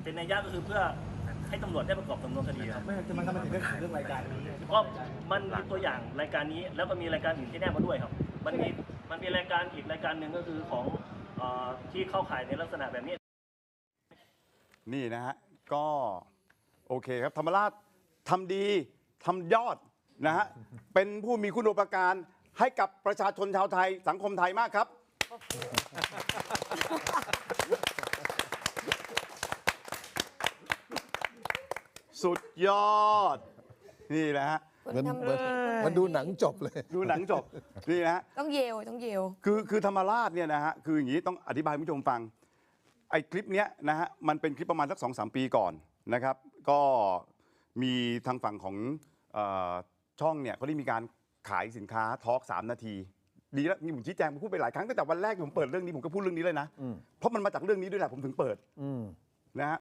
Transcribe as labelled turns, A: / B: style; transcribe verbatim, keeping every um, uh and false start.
A: เป็นนัยยะก็คือเพื่อให้ตำรวจได้ประกอบสำนวนคดีครับ
B: ไม่จะมันทำไมถึงได้ขายเรื่องรายการนี้
A: เพราะมันมีตัวอย่างรายการนี้แล้วก็มีรายการอื่นที่แนบมาด้วยครับมันมีมันมีรายการอีกรายการหนึ่งก็คือของเอ่อที่เข้าข่ายในลักษณะแบบนี้
C: นี่นะฮะก็โอเคครับธรรมราชทำดีทำยอดนะฮะเป็นผู้มีคุณูปการให้กับประชาชนชาวไทยสังคมไทยมากครับสุดยอดนี่แหละฮะ
D: มันมัน
B: มันดูหนังจบเลย
C: ดูหนังจบนี่นะฮะ
D: ต้องเยลต้องเยล
C: คือคือธรรมราชเนี่ยนะฮะคืออย่างนี้ต้องอธิบายให้ผู้ชมฟังไอ้คลิปเนี้ยนะฮะมันเป็นคลิปประมาณสักสองสามปีก่อนนะครับก็มีทางฝั่งของเอ่อช่องเนี่ยเขาได้มีการขายสินค้าทอล์กสามนาทีดีแล้วนี่ผมชี้แจงผมพูดไปหลายครั้งตั้งแต่วันแรกที่ผมเปิดเรื่องนี้ผมก็พูดเรื่องนี้เลยนะเพราะมันมาจากเรื่องนี้ด้วยแหละผมถึงเปิดนะฮะ